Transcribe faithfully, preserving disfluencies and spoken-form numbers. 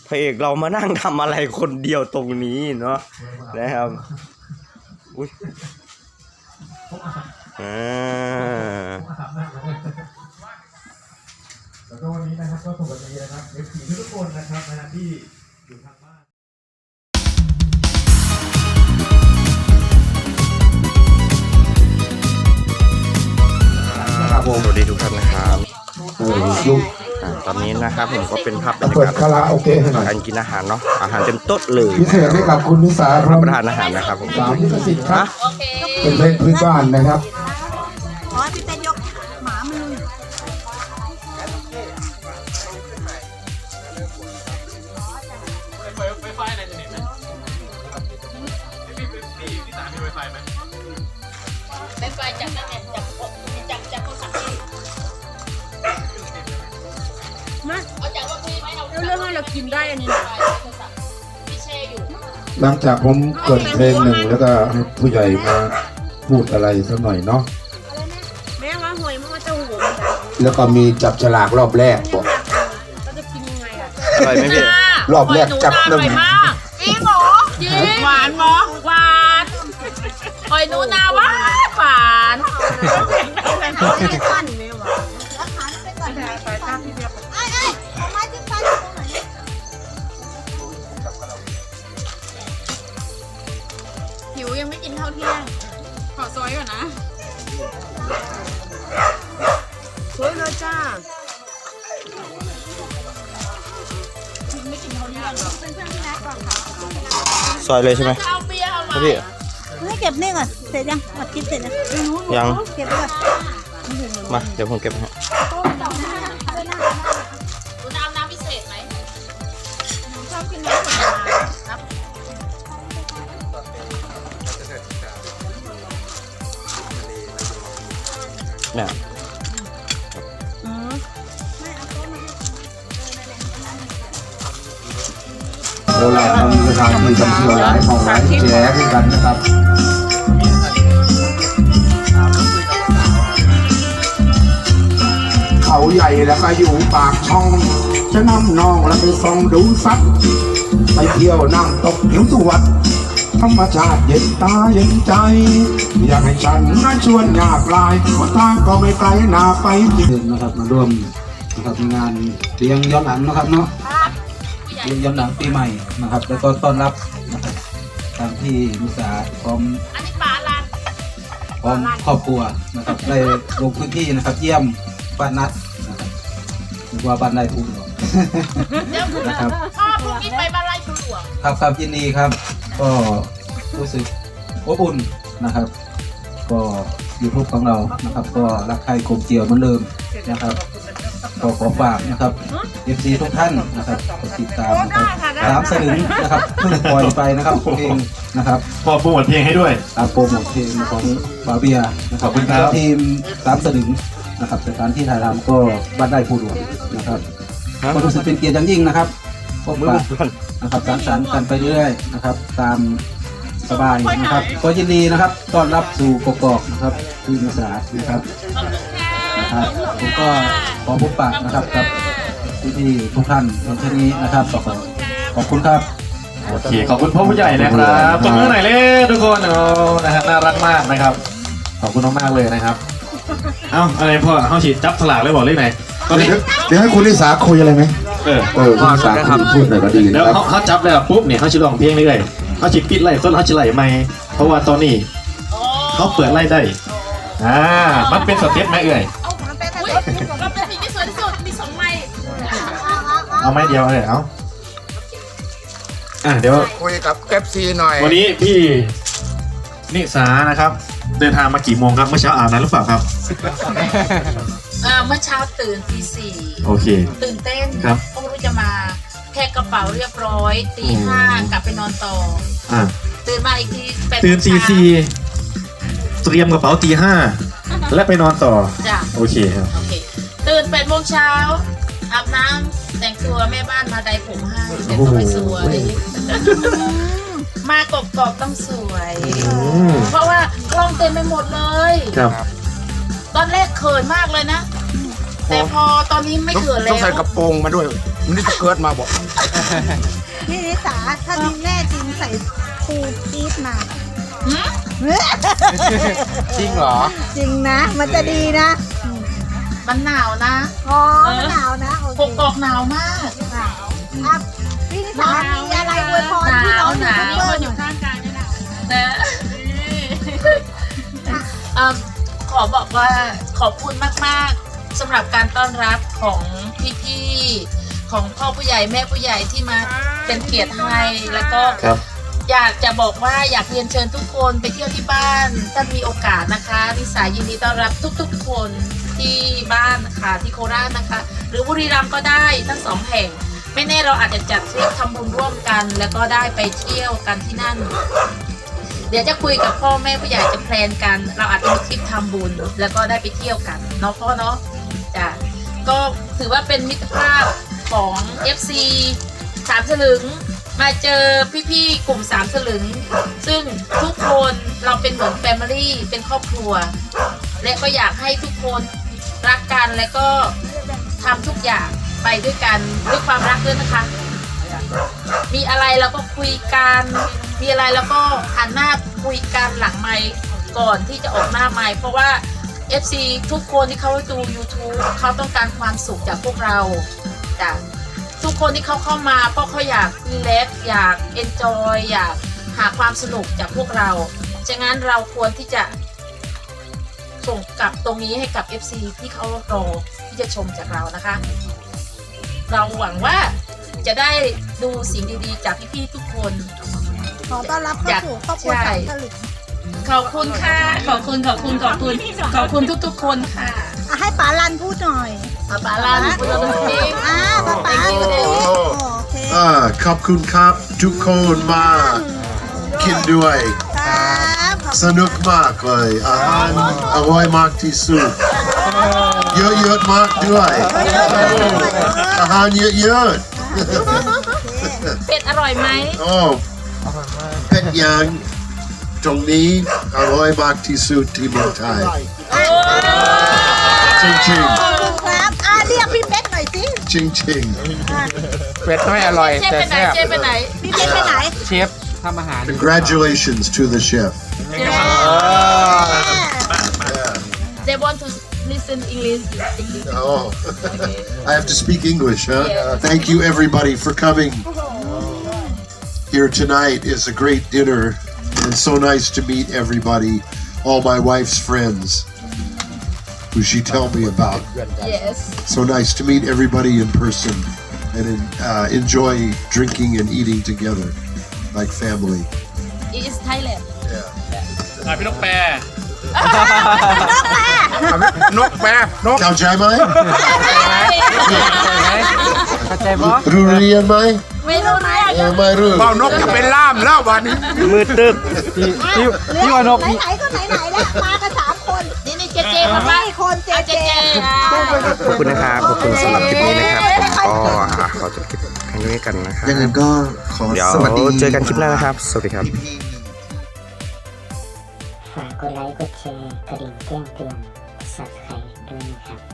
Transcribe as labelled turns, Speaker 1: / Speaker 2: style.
Speaker 1: พระเอกเรามานั่งทำอะไรคนเดียวตรงนี้เนาะนะครับอุ้ยอ่า
Speaker 2: แล้วก็วันนี้นะครับก็สวัสดีนะครับเอฟซีทุกคนนะครับนะที่อยู่ทางบ้าน
Speaker 1: ครับผมสวัสดีทุกท่านนะครับ
Speaker 3: เออลูก
Speaker 1: ตอนนี้นะครับผมก็เป็นภาพบรรยา
Speaker 3: เปิด
Speaker 1: กาศ
Speaker 3: คาราโอเกะให้หน่อย
Speaker 1: การกินอาหารเนาะอาหารเต็มโต๊ะเลย
Speaker 3: พิเศษให้กับคุณนิสาค
Speaker 1: รั
Speaker 3: รั
Speaker 1: บบ ประทานอาหารนะครับผม
Speaker 3: สามลิขสิทธิ์ครับ
Speaker 4: โอเค
Speaker 3: เป็นเพลงพื้นบ้านนะครับ
Speaker 4: ขอพี่เต้นยกหมามันเลยไฟไฟจากนั่นแหละจากจากจากโทรศัพท์พี่มาเอาจากว่าพี่ไม่เอาเรื่องให้เรากินได้อันนี้นะพี่แช่อยู่
Speaker 3: หลังจากผมเปิดเพลงหนึ่งแล้วก็ให้ผู้ใหญ่มาพูดอะไรสักหน่อยเนาะ
Speaker 4: แม่ว่าหวยมันจะหัว
Speaker 3: แล้วก็มีจับฉลากรอบแรกบอก
Speaker 4: เราจะกินยังไงอ่ะ
Speaker 1: อร่อยไหมพี่
Speaker 3: รอบแรกจับหนึ่ง
Speaker 4: จริงเหรอจริงหวานหมอหวานหอยนูนาหวานหวานหิวยังไม่กินข้าวเที่ยงขอซอยก่อนนะซอยเลยจ้าไม่กินข้าวเที่ยงหรอกเป็นเพื่อนพี่นัทก่อนค่ะ
Speaker 1: ซอยเลยใช่ไหม
Speaker 4: เอาเบียร์เอาไหม
Speaker 1: พี่
Speaker 5: ให้เก็บนี่ก่อนเสร็จยังอัดคลิปเสร็จยัง
Speaker 1: ยัง
Speaker 5: เก็บไว้ก่อน
Speaker 1: มาเดี๋ยวผมเก็บให้
Speaker 4: คุณเอาน้ำพิเศษไหมชอบกินน้ำผลไม้ครับ
Speaker 1: เนี่ย
Speaker 3: โบราณทำสถานที่ท่องเที่ยวหลายของหลายแจ๋ด้วยกันนะครับเขาใหญ่แล้วก็อยู่ปากช่องจะนำน้องแล้วไปส่องดูสัตว์ไปเที่ยวนั่งตกหิวสวัสดิ์ธรรมชาติเย็นตาเย็นใจ อยากให้ฉันน่าชวนอยากลายเพราะทางก็ไม่ไกลนาไปนะครับมาร่วมนะครับงานเลี้ยงย้อนหลังนะครับเนาะเลี้ยงย้อนหลังปีใหม่นะครับแล้วก็ต้อนรับนะครับตามที่มุสาพร้อม
Speaker 4: อันนี้ปลาลาน
Speaker 3: พร้อมครอบครัวนะครับได้ลงพื้นที่นะครับเยี่ยมบ้านนัดนะครับหรือว่าบ้านนายทุนหรอ
Speaker 4: เดี๋ยว
Speaker 3: นะครับ
Speaker 4: พ่อพรุ่งนี้ไปบ้านไร่ชูหลวง
Speaker 3: ครับครับยินดีครับ ก็รู้สึกอบอุ่นนะครับ ก็ยูทูบของเรานะครับ ก็รักใครกลมเกลียวเหมือนเดิมนะครับก็ขอฝากนะครับเอฟซีทุกท่านนะครับกดติดตามนะครับสามสลึงนะครับเพิ่งปล่อยไปนะครับเพลงนะครับ
Speaker 2: พอโปรโมทเพลงให้ด้วย
Speaker 3: ตามโปรโมทเพลงของบาเบียนะครับ
Speaker 2: ขอบคุณครับ
Speaker 3: ทีมสามสลึงนะครับสถานที่ถ่ายทำก็บ้านได้ผู้หลวงนะครับก็รู้สึกเป็นเกียรติอย่างยิ่งนะครับพบปะนะครับสังสรรค์กันไปเรื่อยๆนะครับ ตามสบายนะครับ ก็ยินดีนะครับต้อนรับสู่กกอกนะครับที่มุสานะครับนะครับผมก็ขอพบปะนะครับกับพี่ๆทุกท่านในที่นี้นะครับขอขอบคุณครับ
Speaker 2: โอเคขอบคุณพ่อผู้ใหญ่นะครับตบมือหน่อยเลยทุกคนเอานะฮะน่ารักมากนะครับขอบคุณมากๆเลยนะครับเอ้าอะไรพ่อเขาฉีดจับสลากเลยบอกเลขไหนตอนนี้
Speaker 3: เดี๋ยวให้คุณลิสาคุยอะไรไหม
Speaker 2: เออ
Speaker 3: เออคุณลิสาคุยพูดหน่อยก็ดี
Speaker 2: แล้ว
Speaker 3: นะครับ
Speaker 2: เขาเขาจับแล้วปุ๊บเนี่ยเขาจะลองเพลงเรื่อยๆเขาฉีดปิดไล่ต้นเขาจะไล่ไม่เพราะว่าตอนนี้เขาเปิดไล่ได้อ่ามันเป็นสเต็ปไหมเอ่ย
Speaker 4: อุ้ยเราเป็นสิ่งที่สวยที่สุดมีสองไม้
Speaker 2: เอาไม้เดียวเลยเอาอ่ะเดี๋ยว
Speaker 3: คุยกับแก๊ปซีหน่อย
Speaker 2: วันนี้พี่นิสานะครับ เดินทางมากี่โมงครับเมื่อเช้าอาบน้ำหรือเปล่าครับ
Speaker 4: อ่าเมื่อเช้าตื่นตีสี่
Speaker 2: โอเค
Speaker 4: ตื่นเต้น
Speaker 2: ครับ
Speaker 4: เพราะไม่รู้จะมาแพ็คกระเป๋าเรียบร้อยตีห้ากลับไปนอนต่อ
Speaker 2: อ่ะ
Speaker 4: ตื่นมาอีกทีแปด
Speaker 2: ตื่นตี
Speaker 4: โมงเช้า
Speaker 2: สี่เตรียมกระเป๋าตีห้าและไปนอนต่อ
Speaker 4: จ้ะ
Speaker 2: โอเคครับ
Speaker 4: โอเคตื่นแปดโมงเช้าอาบน้ำแต่งตัวแม่บ้านมาไดผมให้แต่งตัวให้สวย มากรอบๆต้องสวย
Speaker 2: ม
Speaker 4: เพราะว่ากล้องเต็มไปหมดเลย
Speaker 2: ครับ
Speaker 4: ตอนแรกเขินมากเลยนะ แต่พอตอนนี้ไม่เขินแล้ว
Speaker 3: ต้องใส่กระโปรงมาด้วยมันนี่จะเกิดมาบอก
Speaker 5: นี่นิสาถ้ามีแม่จริงใส่คูกีดมา
Speaker 4: หืม
Speaker 3: จริงเหรอ
Speaker 5: จริงนะ มันจะดีนะ
Speaker 4: มันหนาวนะ
Speaker 5: อ๋อหนาวนะโอเค
Speaker 4: กกอกหนาวมาก
Speaker 5: หนาวอ่ะพี่นิสามีอะไรอวยพรพี่น้องยูทูบเบอร์หน่อย
Speaker 4: นะเอิ่มขอบอกว่าขอบคุณมากๆสำหรับการต้อนรับของพี่ๆของพ่อผู้ใหญ่แม่ผู้ใหญ่ที่มาเป็นเกียรติให้แล้วก็
Speaker 2: ครับ
Speaker 4: อยากจะบอกว่าอยากเรียนเชิญทุกคนไปเที่ยวที่บ้านถ้ามีโอกาสนะคะนิสายินดีต้อนรับทุกๆคนที่บ้านนะคะที่โคราชนะคะ หรือบุรีรัมย์ก็ได้ทั้งสองแห่ง ไม่แน่เราอาจจะจัดทริปทำบุญร่วมกัน แล้วก็ได้ไปเที่ยวกันที่นั่น เดี๋ยวจะคุยกับพ่อแม่ผู้ใหญ่จะแพลนกัน เราอาจจะมีทริปทำบุญ แล้วก็ได้ไปเที่ยวกันเนาะพ่อเนาะจ้ะก็ถือว่าเป็นมิตรภาพของ เอฟ ซี สามสลึงมาเจอพี่ๆกลุ่มสามสลึง ซึ่งทุกคนเราเป็นเหมือนแฟมิลี่เป็นครอบครัว และก็อยากให้ทุกคนรักกันและก็ทำทุกอย่างไปด้วยกันด้วยความรักด้วยนะคะ มีอะไรเราก็คุยกัน มีอะไรเราก็หันหน้าคุยกันหลังไมค์ก่อนที่จะออกหน้าไมค์เพราะว่า เอฟ ซี ทุกคนที่เขาดู YouTube เขาต้องการความสุขจากพวกเราจ้ะทุกคนที่เขาเข้ามาเพราะเขาอยากรีแลกซ์อยากเอนจอยอยากหาความสนุกจากพวกเราฉะนั้นเราควรที่จะส่งกลับตรงนี้ให้กับ เอฟ ซี ที่เขารอที่จะชมจากเรานะคะ เราหวังว่าจะได้ดูสิ่งดีๆจากพี่ๆทุกคน
Speaker 5: ขอต้อนรับเข้าสู่ครอบครัวสามสลึง
Speaker 4: ขอบคุณค่ะ ขอบคุณขอบคุณขอบคุณขอบคุณทุกๆคนค่ะ
Speaker 5: อ่ะให้ป๋าลันพูดหน่อย
Speaker 4: ป้าปาลาหนูพูดตรงนี้
Speaker 5: อ่าป๋าป๋า
Speaker 4: Thank you
Speaker 5: โอ
Speaker 4: เลย
Speaker 5: เค
Speaker 3: อ่าขอบคุณครับทุกคนมากินด้วย
Speaker 5: ครับขอบ
Speaker 3: สนุกมากเลยอาหารอร่อยมากที่สุดเยอะๆมากด้วยอาหารเยอะ
Speaker 4: เป็ดอร่อยไหม
Speaker 3: ๆโอ้เป็ดย่างตรงนี้อร่อยมากที่สุดที่เมืองไทยจริง
Speaker 5: คุณครับอ่าเรียกพี่เป็ดหน่อยสิ
Speaker 3: ๆจริง
Speaker 6: เป็ดไม่อร่อย
Speaker 4: เชฟ
Speaker 6: แต่
Speaker 4: ไปไหน
Speaker 6: แซ่บ
Speaker 4: เชฟไปไหน
Speaker 5: พี่เป็ดไปไหน
Speaker 6: เชฟทำอาหาร
Speaker 3: ๆ Congratulations to the chef
Speaker 4: They want to listen English
Speaker 3: Oh, I have to speak English, huh?
Speaker 4: Yeah.
Speaker 3: Thank you, everybody, for coming here tonight. It's a great dinner, and so nice to meet everybody, all my wife's friends, who she told me about.
Speaker 4: Yes
Speaker 3: So nice to meet everybody in person and uh, enjoy drinking and eating together like family.
Speaker 4: it is Thailand
Speaker 2: พี่นกแปร
Speaker 6: นกแปรนก
Speaker 3: Cao Chai Mai?
Speaker 6: เข้าใจปะ
Speaker 3: Rurian Mai?
Speaker 4: ไม่รู้เรื่อง
Speaker 3: Uh, Mai Ru.
Speaker 6: เบานกจะเป็นล่ามแล้ววันนี้
Speaker 1: มือตึก
Speaker 6: ที่ที่ที่ว่านก
Speaker 5: ไหนๆก็ไหนๆแล้วมากันสามคน
Speaker 4: นี่นี่เจเจมาบ้า
Speaker 5: ให้คนเจ
Speaker 4: เอาเจ
Speaker 5: เจ
Speaker 4: เจ
Speaker 1: ขอบคุณนะครับขอบคุณสำหรับคลิปนี้นะครับผมก็อ่ะขอจบคลิปครั้งนี้กันนะครับ
Speaker 3: ยังไงก็ขอ
Speaker 1: เดี๋ยว
Speaker 3: สวัสดี
Speaker 1: เจอกันคลิปหน้านะครับ สวัสดีครับ
Speaker 7: ฝากกดไลค์ กดแชร์ กระดิ่งแจ้งเตือน Subscribe ด้วยนะครับ